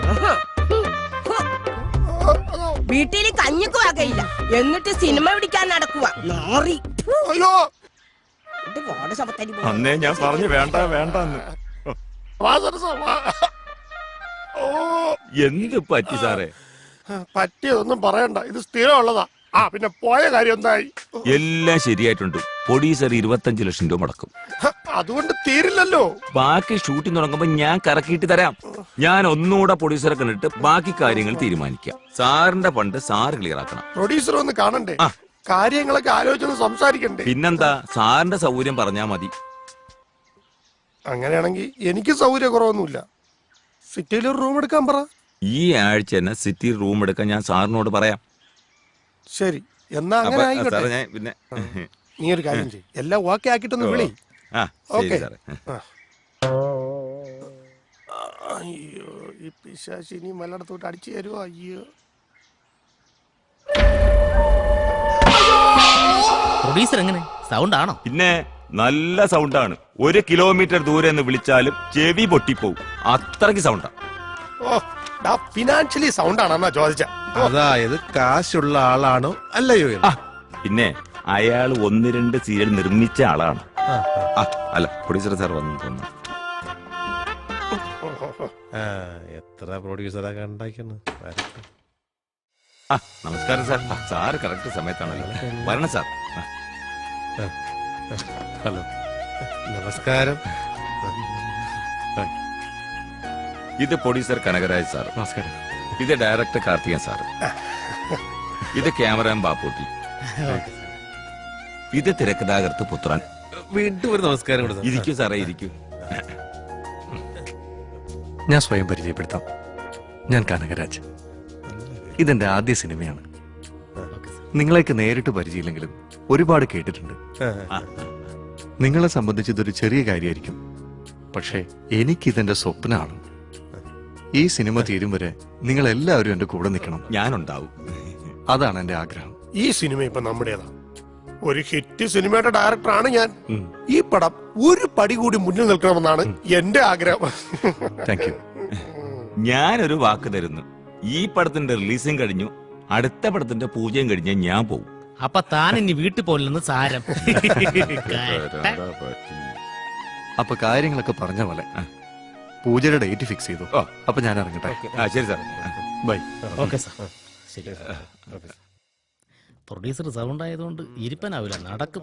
വീട്ടിൽ കഞ്ഞിക്ക് വകയില്ല, എന്നിട്ട് സിനിമ പിടിക്കാൻ നടക്കുക. അന്നേ ഞാൻ പറഞ്ഞു വേണ്ട വേണ്ടെന്ന്. എന്ത് പറ്റി സാറേ? പറ്റിയതൊന്നും പറയണ്ട, ഇത് സ്ഥിരമുള്ളതാ. പിന്നെ പോയ കാര്യം എന്തായി? എല്ലാം ശരിയായിട്ടുണ്ട്. പ്രൊഡ്യൂസർ 25 ലക്ഷം രൂപ മുടക്കും. അതുകൊണ്ട് തീരില്ലല്ലോ. ബാക്കി ഷൂട്ടിംഗ് തുടങ്ങുമ്പോ ഞാൻ കറക്കിയിട്ട് തരാം. ഞാൻ ഒന്നുകൂടെ പ്രൊഡ്യൂസറെ കണ്ടിട്ട് ബാക്കി കാര്യങ്ങൾ തീരുമാനിക്കാം. സാറിന്റെ ഫണ്ട് സാറ് ക്ലിയർ ആക്കണം. പ്രൊഡ്യൂസർ ഒന്ന് കാണണ്ടേ? കാര്യങ്ങളൊക്കെ ആലോചിച്ചൊന്ന് സംസാരിക്കണ്ടേ? പിന്നെന്താ, സാറിന്റെ സൗകര്യം പറഞ്ഞാ മതി. അങ്ങനെയാണെങ്കിൽ എനിക്ക് സൗകര്യക്കുറവൊന്നുമില്ല. സിറ്റിയിൽ ഒരു റൂം എടുക്കാൻ പറ. ഈ ആഴ്ച തന്നെ സിറ്റി റൂം എടുക്കാൻ ഞാൻ സാറിനോട് പറയാം. ശരി, എന്നാ അങ്ങനെ ആയിക്കോട്ടെ. പിന്നെ നീ ഒരു കാര്യം ചെയ്യ്, എല്ലാം ഓക്കെ ആക്കിട്ടൊന്ന് വിളി. അയ്യോ, ഈ പിശാചി ഇനി മലടത്തോട്ട് അടിച്ചു തരുമോ? അയ്യോ, പ്രൊഡ്യൂസർ എങ്ങനെ സൗണ്ട് ആണോ? പിന്നെ നല്ല സൗണ്ടാണ്. 1 കിലോമീറ്റർ ദൂരെ നിന്ന് വിളിച്ചാലും ചെവി പൊട്ടിപ്പോവും, അത്രയ്ക്ക് സൗണ്ടാ. ഫിനാൻഷ്യലി സൗണ്ട് ആണെന്നാ ചോദിച്ച. അതായത് കാശുള്ള ആളാണോ അല്ലയോ? പിന്നെ അയാൾ 1-2 സീരിയൽ നിർമ്മിച്ച ആളാണ്. അല്ല, പ്രൊഡ്യൂസർ സാർ വന്നു തോന്നുന്നു. എത്ര പ്രൊഡ്യൂസറൊക്കെ ഉണ്ടാക്കുന്നു. നമസ്കാരം സാർ. Sir correct സമയത്താണല്ലോ. വരണം സാർ. ഹലോ, നമസ്കാരം. ഇത് പ്രൊഡ്യൂസർ കനകരാജ് സാർ. നമസ്കാരം. ഇത് ഡയറക്ടർ കാർത്തികൻ സാർ. ഇത് ക്യാമറാമാൻ ബാപ്പൂട്ടി. ഇത് തിരക്കഥാകൃത്ത് പുത്രൻ. വീണ്ടും ഒരു നമസ്കാരം. ഇരിക്കൂ സാറേ, ഇരിക്കൂ. ഞാൻ സ്വയം പരിചയപ്പെടുത്താം. ഞാൻ കനകരാജ്. ഇതെന്റെ ആദ്യ സിനിമയാണ്. നിങ്ങളെയൊക്കെ നേരിട്ട് പരിചയമില്ലെങ്കിലും ഒരുപാട് കേട്ടിട്ടുണ്ട്. നിങ്ങളെ സംബന്ധിച്ച് ഇതൊരു ചെറിയ കാര്യമായിരിക്കും, പക്ഷേ എനിക്കിതെന്റെ സ്വപ്നമാണ്. ഈ സിനിമ തീരും വരെ നിങ്ങൾ എല്ലാവരും എന്റെ കൂടെ നിൽക്കണം. ഞാനുണ്ടാവും. അതാണ് എന്റെ ആഗ്രഹം. ഈ സിനിമ ഇപ്പൊ നമ്മുടേതാ. ഒരു ഹിറ്റ് സിനിമയുടെ ഡയറക്ടറാണ് ഞാൻ. ഈ പടം ഒരു പടി കൂടി മുന്നിൽ നിൽക്കണമെന്നാണ് എന്റെ ആഗ്രഹം. Thank you. ഞാനൊരു വാക്ക് തരുന്നു. ഈ പടത്തിന്റെ റിലീസും കഴിഞ്ഞു, അടുത്ത പടത്തിന്റെ പൂജയും കഴിഞ്ഞ് ഞാൻ പോകും. അപ്പൊ താൻ ഇനി വീട്ടിൽ പോലെന്ന് സാരം. അപ്പൊ കാര്യങ്ങളൊക്കെ പറഞ്ഞ പോലെ പൂജയുടെ ഡേറ്റ് ഫിക്സ് ചെയ്തു. അപ്പൊ ഞാൻ ഇറങ്ങട്ടെ. ശരി സാർ, ബൈ. Okay sir. ശരി. പ്രൊഡ്യൂസർ സൗണ്ട് ആയതുകൊണ്ട് ഇരിപ്പനാവില്ല, നടക്കും.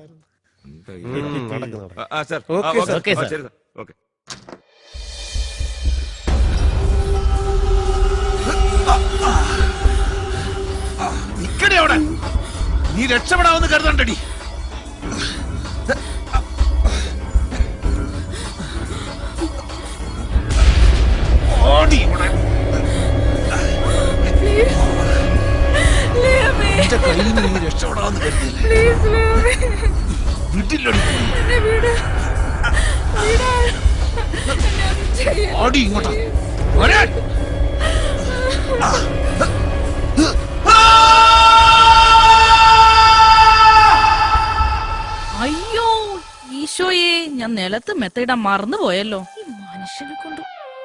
Okay sir. ഓക്കെ. നീ രക്ഷപ്പെടാമെന്ന് കരുതണ്ടടി. നീ രക്ഷപ്പെടാമെന്ന് ഓടി ഇങ്ങോട്ടാ. അയ്യോ ഈശോയെ, ഞാൻ നിലത്ത് മെത്തയിടാൻ മറന്നു പോയല്ലോ. ഈ മനുഷ്യനെ കൊണ്ട്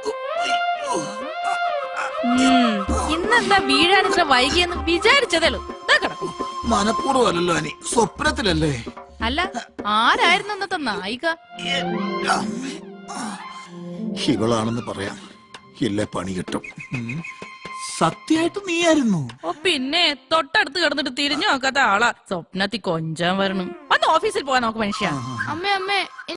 ഇന്നെന്താ വീഴാൻ ഇത്ര വൈകിയെന്ന് വിചാരിച്ചതല്ലോ. മനഃപൂർവ്വമല്ലല്ലോ അനി, സ്വപ്നത്തിലല്ലേ? അല്ല, ആരായിരുന്നു അന്നത്തെ നായിക? ഇവളാണെന്ന് പറയാം, ഇല്ലേ പണി കിട്ടും. സത്യമായിട്ട് നീയായിരുന്നു? ഓ പിന്നെ, തൊട്ടടുത്ത് കിടന്നിട്ട് തിരിഞ്ഞു നോക്കാത്ത ആളാ. സ്വപ്നത്തിൽ കൊഞ്ചാൻ വരണം. വന്ന് ഓഫീസിൽ പോകാൻ നോക്ക് മനുഷ്യ. അമ്മേ